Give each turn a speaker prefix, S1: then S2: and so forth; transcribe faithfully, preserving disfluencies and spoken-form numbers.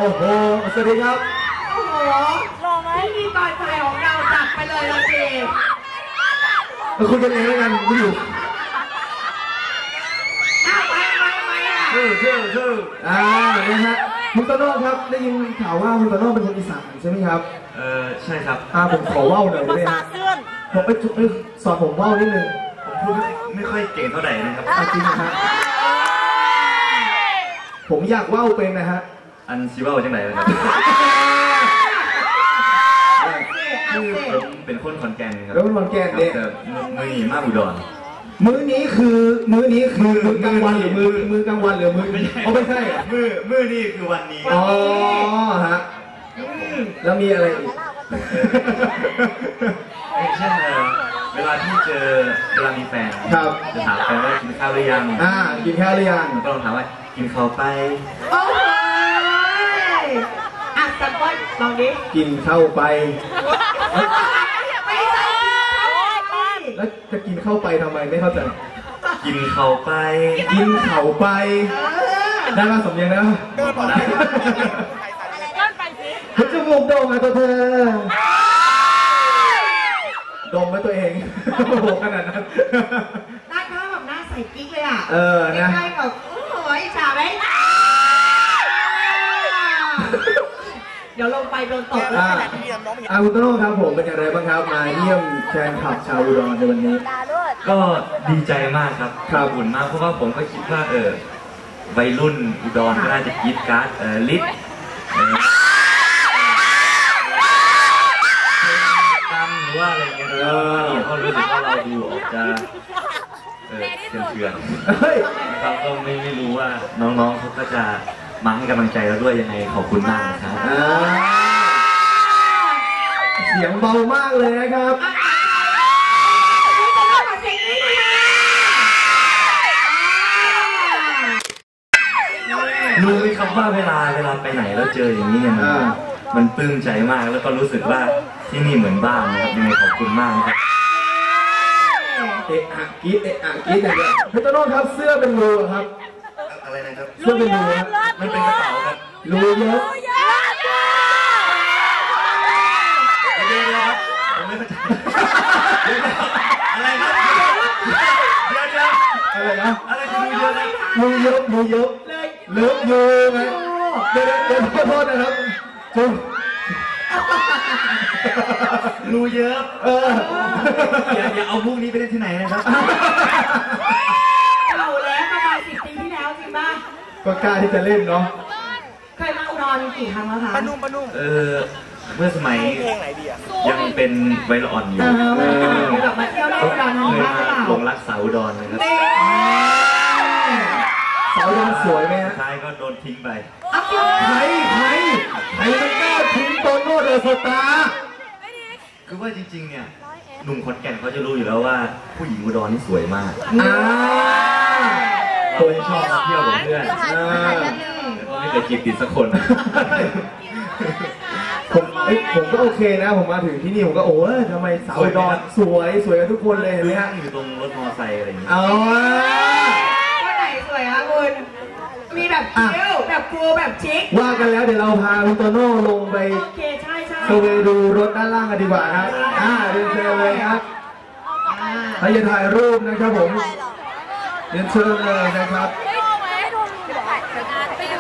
S1: โอ้โหสวัสดีครับ
S2: โอ้โหรอไหมที่ตอนชายของเราจัดไปเลยละสิ
S1: คุณกันเองแล้วกันไม่อยู่
S2: อ้าวไปไปไปอ่ะ
S1: ชื่อชื่อชื่ออ่านะฮะคุณโตโน่ครับได้ยินข่าวว่าคุณโตโน่เป็นคนอีสานใช่ไหมครับ
S3: เออใช่ครับ
S1: อ่าผมขอว่าวหน่อยได้ไหมผมไปสอนผมว่าวนิดนึง
S3: ผมพูดไม่ค่อยเก่งเท่าไหร่นะครับ
S1: จริงนะฮะผมอยากว่าวเป็นนะฮะ
S3: อันซีว่าวจังไหนเลยครับคือผมเป็นคนขอนแก่นครับ
S1: เป็นคนขอนแก่นเนี่ย
S3: มือหนีมากอุดร
S1: มื้อนี้คือมื้อนี้คือมื้อกลางวันหรือมื้อมื้อกลางวันหรือมื้อเขาไม่ใช่
S3: มื้อมื้อนี่คือวันนี้
S1: อ๋อฮะแล้วมีอะไรอีก
S3: เช่นเวลาที่เจอเวลามีแฟนจะถามแฟนว่ากินข้าวหรือยัง
S1: อ่ากินข้าวหรือยัง
S3: ก็ลองถามว่ากินข้าวไป
S2: โอ้ยอ่ะสักวันลองดิ
S1: กินข้าวไป
S2: ไม่ใช่
S1: แล้วจะกินเข้าไปทำไมไม่เข้าใจ
S3: กินเข่าไป
S1: กินเข่าไปได้มาสมยังนะ
S3: เดินไปเ
S1: ดินไปสิคุณจมูกโด่งมาตัวเธอดมไว้ตัวเองโอ้โหขนาดนั้น
S2: หน้าข้าแบบหน้าใสกิ๊กเลยอ่ะ
S1: เออนะ
S2: ใช่แบบโอ้โหอิจฉาไหมเดี๋ยวลงไปโดนตบแล้ว
S1: อาคุณโตโน่ครับผมเป็นอย่างไรบ้างครับมาเยี่ยมแฟนคลับชาวอุดรในวันนี้
S3: ก็ดีใจมากครับ
S1: ครับ
S3: อุ่นมากเพราะว่าผมก็คิดว่าเออวัยรุ่นอุดรก็น่าจะคิดการ์ดเออลิศกันหรือว่าอะไรเงี้ยเออเขารู้สึกว่าเราดูออกจะเออเถื่อนๆครับก็ไม่ไม่รู้ว่าน้องๆเขาก็จะมาให้กำลังใจเราด้วยยังไงขอบคุณมากครับ
S1: เสียงเบามากเลยนะครับ
S3: รู้ไหมครับว่าเวลาเวลาไปไหนแล้วเจออย่างนี้เนี่ยมันมันปลื้มใจมากแล้วก็รู้สึกว่าที่นี่เหมือนบ้านนะครับยังไงขอบคุณมากครับ
S1: เอะอะกีดเอะอะกีดอย่างเงี้ยพี่โตโน่ครับเสื้อเป็นรูครับ
S3: อะไรนะครับ
S1: เสื้อเป็นรู
S3: มันเป็นกระเป๋าครับ
S1: รูเยอะ
S3: เดี๋ยวๆครับผมไม่เข้าใจอะไรครับเดี๋ยวๆ
S1: อะไรนะ
S3: อะไรคือรูเยอะนะ
S1: รูเยอะรูเยอะเลิฟยูไงเดี๋ยวเดี๋ยวขอโทษนะครับจุ๊บ
S3: รูเยอะ
S1: เออ
S3: อย่าอย่าเอามุกนี้ไปเล่นที่ไหนนะครับ
S2: เก่าแล้วประมาณสิบปีที่แล้วจริงป่ะ
S1: ก็กล้าที่จะเล่นเนาะ
S2: เคยมาอุดรกี่ครั้งแล้วคะ
S3: ปนุ่มปนุ่มเออเมื่อสมัยยังเป็นวัยรุ่นอ่อนอยู่
S2: แบบมาเที่ยวในอุดรน้องบ้างหรือเปล่า
S3: หลงรักสาวอุดรนะครับ
S1: สาวอุดรสวยไหมฮะ
S3: ท้ายก็โดนทิ้งไป
S1: ใครใครใครมันกล้าทิ้งโตโน่เดอะสตาร์
S3: คือว่าจริงๆเนี่ยหนุ่มขอนแก่นเขาจะรู้อยู่แล้วว่าผู้หญิงอุดรนี่สวยมากเราชอบมาเที่ยวกับเพื่อนไม่เคยจีบติดสักคน
S1: ผมผมก็โอเคนะผมมาถึงที่นี่ผมก็โอ้ยทำไมสาวอุดรสวยสวยกันทุกคนเลยเห็นไหมฮะ
S3: อยู่ตรงรถมอเตอร์ไซค์อะไรอย่างเงี้ย
S1: อ๋อ
S2: ว่าไหนสวยคะคุณมีแบบคิ้วแบบคูแบบชิค
S1: ว่ากันแล้วเดี๋ยวเราพาคุณโตโน่ลงไป
S2: โอเคใช่ใช่
S1: ไปดูรถด้านล่างกันดีกว่าครับอ่าเรียนเชิญเลยครับถ้าจะถ่ายรูปนะครับผมเรียนเชิญเลยนะครับ